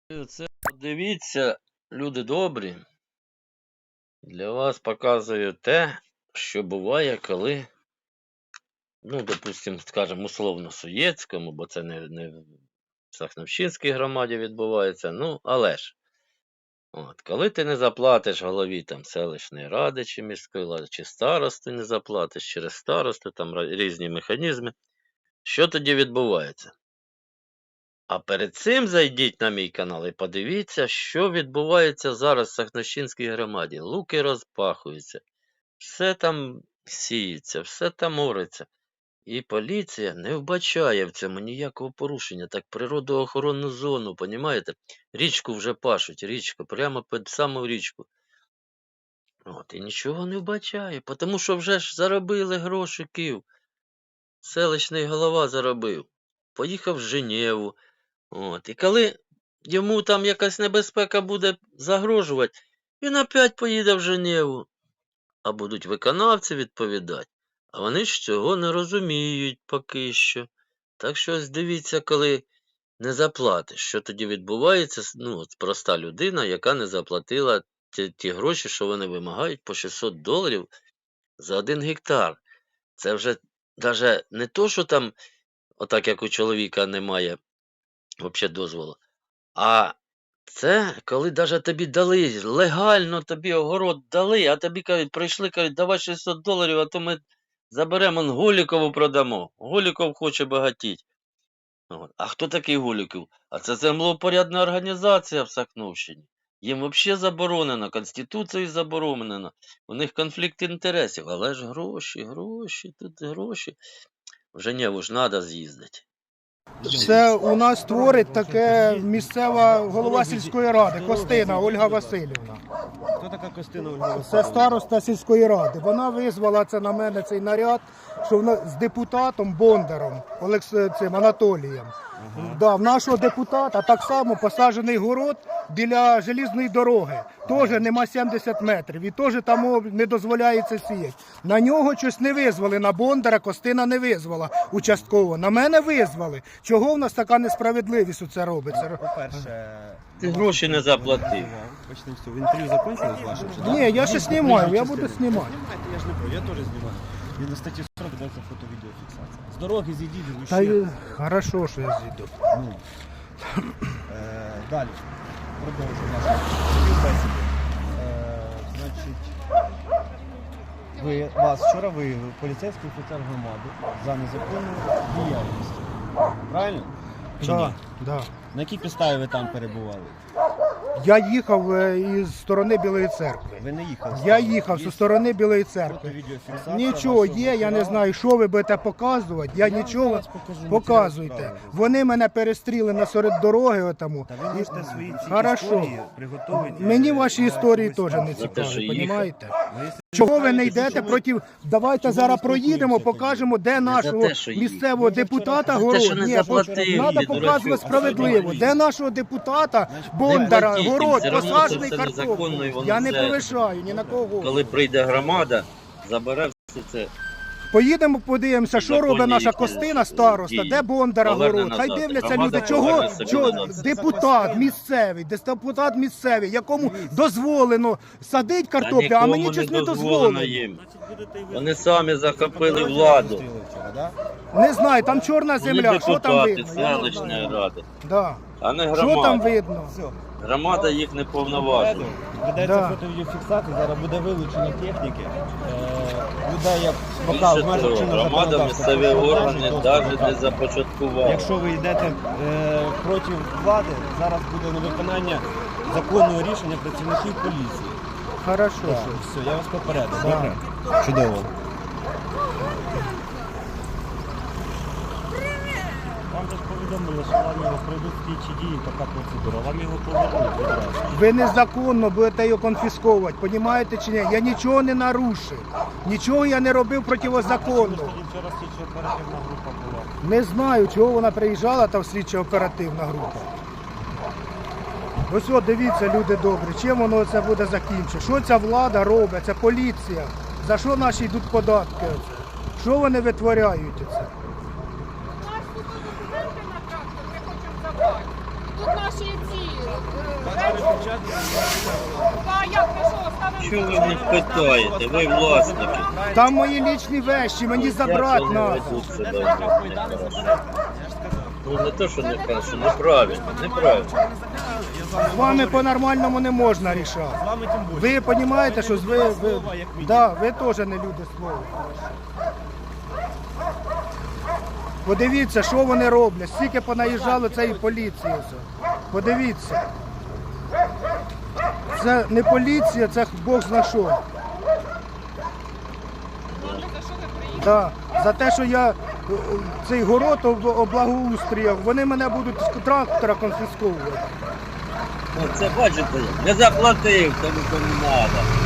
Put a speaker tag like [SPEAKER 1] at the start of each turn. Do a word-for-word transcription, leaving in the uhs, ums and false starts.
[SPEAKER 1] Це подивіться, люди добрі, для вас показую те, що буває, коли, ну, допустимо, скажімо, условно-Суєцькому, бо це не, не в Сахновщинській громаді відбувається, ну, але ж, от, коли ти не заплатиш голові там селищної ради чи міської ради, чи старости не заплатиш через старосту, там різні механізми, що тоді відбувається? А перед цим зайдіть на мій канал і подивіться, що відбувається зараз в Сахновщинській громаді. Луки розпахуються, все там сіється, все там ориться. І поліція не вбачає в цьому ніякого порушення. Так природоохоронну зону, понімаєте? Річку вже пашуть, річку, прямо під саму річку. От, і нічого не вбачає, тому що вже ж заробили гроші Київ. Селищний голова заробив. Поїхав в Женеву. От, і коли йому там якась небезпека буде загрожувати, він опять поїде в Женеву. А будуть виконавці відповідати. А вони ж цього не розуміють поки що. Так що ось дивіться, коли не заплатиш, що тоді відбувається, ну, от проста людина, яка не заплатила ті, ті гроші, що вони вимагають по шістсот доларів за один гектар. Це вже навіть не то, що там, отак як у чоловіка немає взагалі дозволу. А це, коли навіть тобі дали, легально тобі огород дали, а тобі кажуть, прийшли, кажуть, давай шістсот доларів, а то ми заберемо, он Голікову продамо. Голіков хоче багатіть. От. А хто такий Голіков? А це землеупорядна організація в Сахновщині. Їм взагалі заборонено, Конституцією заборонено. У них конфлікт інтересів. Але ж гроші, гроші, тут гроші. В Женеву ж треба з'їздити.
[SPEAKER 2] Це у нас творить таке місцева голова сільської ради, Костина Ольга Васильівна.
[SPEAKER 3] Хто така Костина Ольга Васильівна?
[SPEAKER 2] Це староста сільської ради. Вона визвала це на мене цей наряд, що вона з депутатом Бондаром Олекс... цим Анатолієм. Ага. Да, в нашого депутата так само посаджений город біля желізної дороги. Теж нема сімдесят метрів. І теж там не дозволяється сіяти. На нього щось не визвали, на Бондара Костина не визвала участково. На мене визвали. Чого в нас така несправедливість у це робиться?
[SPEAKER 3] По-перше,
[SPEAKER 1] Ти гроші не заплатив.
[SPEAKER 3] Почнемо з цього. Інтерв'ю закінчилось ваше?
[SPEAKER 2] Ні, я ще знімаю, я буду знімати.
[SPEAKER 3] Знімайте, я ж не про, я теж знімаю. Він на статті сорок дається фото-відеофіксація. З дороги зійдіть,
[SPEAKER 2] Та й хорошо, що я зійду.
[SPEAKER 3] Ну. Е, далі. Продовжуємо нашу співбесіду. Е, значить, ви, вас вчора виявив поліцейський офіцер громади за незаконну діяльність. Правильно? Чи ні?
[SPEAKER 2] Да, да.
[SPEAKER 3] На якій підставі ви там перебували?
[SPEAKER 2] Я їхав е, із сторони Білої церкви.
[SPEAKER 3] Ви не їхали?
[SPEAKER 2] Я їхав зі сторони Білої церкви.
[SPEAKER 3] Фото-відеофіксація
[SPEAKER 2] Нічого
[SPEAKER 3] вашого
[SPEAKER 2] є, я не
[SPEAKER 3] права.
[SPEAKER 2] знаю, що ви будете показувати. Я,
[SPEAKER 3] Я
[SPEAKER 2] нічого
[SPEAKER 3] зараз покажу
[SPEAKER 2] показуйте.
[SPEAKER 3] матеріал справи.
[SPEAKER 2] Вони мене перестріли насеред дороги отому.
[SPEAKER 3] Та ви можете свої ці
[SPEAKER 2] Хорошо.
[SPEAKER 3] історії приготувати.
[SPEAKER 2] Мені ваші історії теж не
[SPEAKER 1] те, що
[SPEAKER 2] цікаві,
[SPEAKER 1] їхав.
[SPEAKER 2] розумієте?
[SPEAKER 3] Ну, якщо
[SPEAKER 2] Чого ви
[SPEAKER 3] знаєте,
[SPEAKER 2] не йдете
[SPEAKER 3] що ви-
[SPEAKER 2] проти... Давайте
[SPEAKER 3] чому
[SPEAKER 2] зараз
[SPEAKER 3] ви
[SPEAKER 2] проїдемо,
[SPEAKER 3] спілкуєтеся
[SPEAKER 2] покажемо, де нашого
[SPEAKER 1] те, що їхав.
[SPEAKER 2] місцевого
[SPEAKER 3] Ви вже
[SPEAKER 2] депутата
[SPEAKER 3] вчора-
[SPEAKER 2] город.
[SPEAKER 1] За те, що не
[SPEAKER 2] Ні,
[SPEAKER 1] заплатив,
[SPEAKER 2] треба
[SPEAKER 1] дурачок.
[SPEAKER 2] показувати справедливо. Де нашого депутата Бондара,
[SPEAKER 1] платіть їм,
[SPEAKER 2] город,
[SPEAKER 1] все одно
[SPEAKER 2] посаджений
[SPEAKER 1] це все незаконно, і
[SPEAKER 2] картоплею.
[SPEAKER 1] воно
[SPEAKER 2] Я не
[SPEAKER 1] все-
[SPEAKER 2] повишаю ні на кого.
[SPEAKER 1] Коли прийде громада, забере все це.
[SPEAKER 2] Поїдемо, подивимося, що
[SPEAKER 1] Законні
[SPEAKER 2] робить наша
[SPEAKER 1] їхні
[SPEAKER 2] Костина староста,
[SPEAKER 1] дії.
[SPEAKER 2] де Бондара
[SPEAKER 1] Поверне
[SPEAKER 2] город. Хай
[SPEAKER 1] назад.
[SPEAKER 2] дивляться
[SPEAKER 1] Громада
[SPEAKER 2] люди, чого,
[SPEAKER 1] поверне собі
[SPEAKER 2] чого
[SPEAKER 1] назад.
[SPEAKER 2] депутат місцевий, десь депутат місцевий, якому дозволено садить картоплю, а мені щось не дозволено.
[SPEAKER 1] їм. Вони самі захопили владу.
[SPEAKER 3] Зустріли вчора, да?
[SPEAKER 2] Не знаю, там чорна
[SPEAKER 1] Вони
[SPEAKER 2] земля, що там
[SPEAKER 1] депутати
[SPEAKER 2] видно? Я не
[SPEAKER 1] селищної
[SPEAKER 2] знаю.
[SPEAKER 1] ради,
[SPEAKER 2] Да.
[SPEAKER 1] а не
[SPEAKER 2] Що там
[SPEAKER 1] громада.
[SPEAKER 2] видно?
[SPEAKER 3] Все.
[SPEAKER 1] Громада їх не повноважує.
[SPEAKER 3] Ведеться
[SPEAKER 2] Да.
[SPEAKER 3] фото-відеофіксація, зараз буде вилучення техніки. Е, людей, як поки
[SPEAKER 1] Більше
[SPEAKER 3] в межах
[SPEAKER 1] того,
[SPEAKER 3] чинного
[SPEAKER 1] громада
[SPEAKER 3] законодавства
[SPEAKER 1] місцеві
[SPEAKER 3] про
[SPEAKER 1] органи
[SPEAKER 3] продажу
[SPEAKER 1] навіть
[SPEAKER 3] доступу.
[SPEAKER 1] не започаткувала.
[SPEAKER 3] Якщо ви йдете е, проти влади, зараз буде невиконання законного рішення працівників поліції.
[SPEAKER 2] Хорошо.
[SPEAKER 3] Так, все, я вас попередив.
[SPEAKER 2] Да.
[SPEAKER 3] Добре? Чудово.
[SPEAKER 4] Вам же ж повідомили, що вам його пройдуть слідчі дії, така процедура. Вам його повернуть відразу.
[SPEAKER 2] Ви незаконно будете його конфісковувати, розумієте чи ні? Я нічого не нарушив, нічого я не робив протизаконно.
[SPEAKER 4] Тоді вчора слідчо оперативна група була.
[SPEAKER 2] Не знаю, чого вона приїжджала, та слідча оперативна група. Ось от дивіться, люди добрі, чим воно це буде закінчити? Що ця влада робить, це поліція? За що наші йдуть податки? оце? Що вони витворяють оце?
[SPEAKER 5] У нас тут документи на трактор, ми хочемо забрати. Тут наші ці
[SPEAKER 1] Чого ви не питаєте? Ви власники.
[SPEAKER 2] Там мої лічні вещі, мені забрати
[SPEAKER 1] Як вони
[SPEAKER 2] треба.
[SPEAKER 1] ведуть себе нехорошо? Ну не то, що нехорошо, неправильно, неправильно.
[SPEAKER 2] З вами по-нормальному не можна рішати.
[SPEAKER 3] З вами тим більше.
[SPEAKER 2] Ви розумієте, що ви, ви, да, ви теж не люди слова. Подивіться, що вони роблять. Скільки понаїжджало цієї поліції. все. Подивіться. Це не поліція, це Бог зна що. Да. За те, що я е, цей город об- облагоустріяв, вони мене будуть з трактора конфісковувати.
[SPEAKER 1] Оце бачите, не заплатив, тому що не треба.